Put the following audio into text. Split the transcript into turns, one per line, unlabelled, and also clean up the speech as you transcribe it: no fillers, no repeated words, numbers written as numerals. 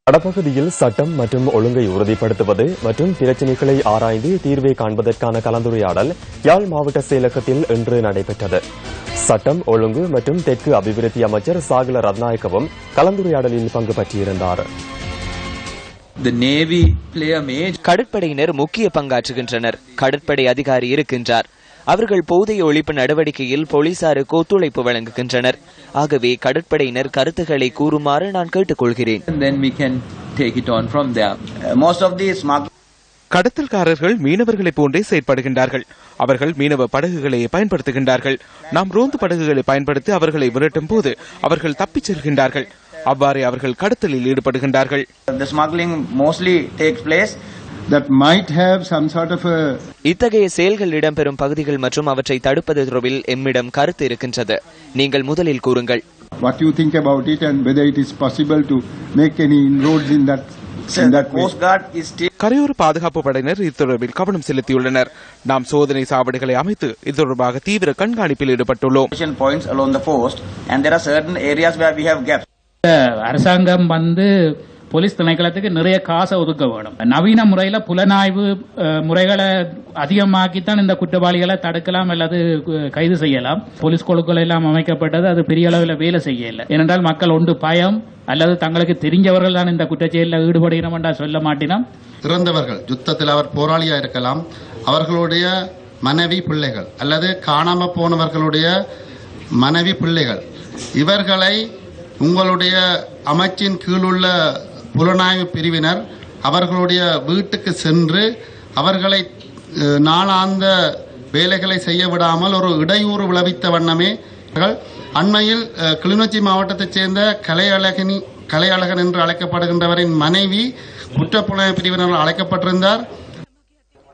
வடபகுதியில் சட்டம் மற்றும் ஒழுங்கை உறுதிப்படுத்துவது மற்றும் பிரச்சினைகளை ஆராய்ந்து தீர்வை காண்பதற்கான கலந்துரையாடல் யாழ் மாவட்ட செயலகத்தில் இன்று நடைபெற்றது. சட்டம் ஒழுங்கு மற்றும் தெற்கு அபிவிருத்தி அமைச்சர் சாகல ரத்நாயக்கவும் கலந்துரையாடலில் பங்கு பற்றியிருந்தார்.
கடற்படையினர் முக்கிய பங்காற்றுகின்றனர். கடற்படை அதிகாரி இருக்கின்றார். அவர்கள் போதைய ஒழிப்பு நடவடிக்கையில் போலீசாருக்கு ஒத்துழைப்பு வழங்குகின்றனர். ஆகவே கடற்படையினர் கருத்துக்களை கூறுமாறு நான் கேட்டுக்கொள்கிறேன்.
கடத்தல்காரர்கள் மீனவர்களைப் போன்றே செயற்படுகின்றார்கள். அவர்கள் மீனவ படகுகளை பயன்படுத்துகின்றார்கள். நாம் ரோந்து படகுகளை பயன்படுத்தி அவர்களை விரட்டும் போது அவர்கள் தப்பிச் செல்கின்றார்கள். அவ்வாறே அவர்கள் கடத்தலில் ஈடுபடுகின்றார்கள்.
இத்தகைய செயல்கள் இடம்பெறும் பகுதிகள் மற்றும் அவற்றை தடுப்பது தொடர்பில் எம்மிடம் கருத்து இருக்கின்றது. நீங்கள் முதலில் கூறுங்கள்.
கரையோர பாதுகாப்பு படையினர் இது தொடர்பில் கவனம் செலுத்தியுள்ளனர். நாம் சோதனை சாவடிகளை அமைத்து இது தொடர்பாக தீவிர கண்காணிப்பில் ஈடுபட்டுள்ளோம்.
அரசாங்கம் போலீஸ் திணைக்களத்துக்கு நிறைய காசை ஒதுக்க வேணும். நவீன முறையில புலனாய்வு முறைகளை அதிகமாக்கித்தான் இந்த குற்றவாளிகளை தடுக்கலாம் அல்லது கைது செய்யலாம். போலீஸ் குழுக்கள் எல்லாம் அமைக்கப்பட்டது, அது பெரிய அளவில் வேலை செய்யல. ஏனென்றால் மக்கள் ஒன்று பயம் அல்லது தங்களுக்கு தெரிஞ்சவர்கள் தான் இந்த குற்றச்செயலில் ஈடுபடுகிறோம் என்றால் சொல்ல மாட்டினோம்.
இறந்தவர்கள் யுத்தத்தில் அவர் போராளியா இருக்கலாம், அவர்களுடைய மனைவி பிள்ளைகள் அல்லது காணாம போனவர்களுடைய மனைவி பிள்ளைகள், இவர்களை உங்களுடைய அமைச்சின் கீழுள்ள புலனாய்வு பிரிவினர் அவர்களுடைய வீட்டுக்கு சென்று அவர்களை நாளாந்த வேலைகளை செய்ய விடாமல் ஒரு இடையூறு விளைவித்த வண்ணமே அண்மையில் கிளிநொச்சி மாவட்டத்தைச் சேர்ந்த கலையழகன் என்று அழைக்கப்படுகின்றவரின் மனைவி குற்றப்புலனாய்வு பிரிவினரால் அழைக்கப்பட்டிருந்தார்.